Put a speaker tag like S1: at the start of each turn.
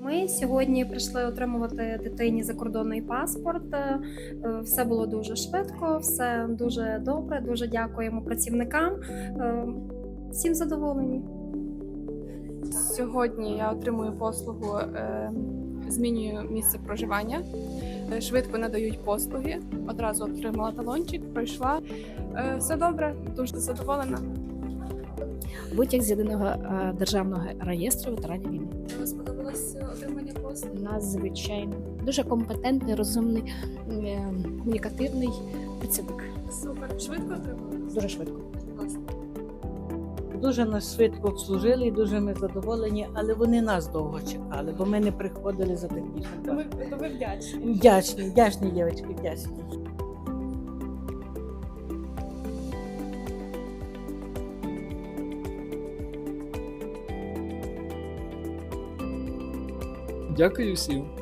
S1: Ми сьогодні прийшли отримувати дитині закордонний паспорт. Все було дуже швидко, все дуже добре. Дуже дякуємо працівникам. Всім задоволені.
S2: Сьогодні я отримую послугу, змінюю місце проживання, швидко надають послуги, одразу отримала талончик, пройшла. Все добре, дуже задоволена.
S3: Витяг з єдиного державного реєстру ветеранів війни.
S2: Вам сподобалось отримання послуг?
S3: Надзвичайно. Дуже компетентний, розумний, комунікативний працівник.
S2: Супер, швидко отримала?
S3: Дуже швидко.
S2: Класно.
S4: Дуже нас швидко обслужили і дуже ми задоволені, але вони нас довго чекали, бо ми не приходили за технічним.
S2: То ви вдячні.
S4: Вдячні, дівчатки, вдячні.
S5: Дякую всім.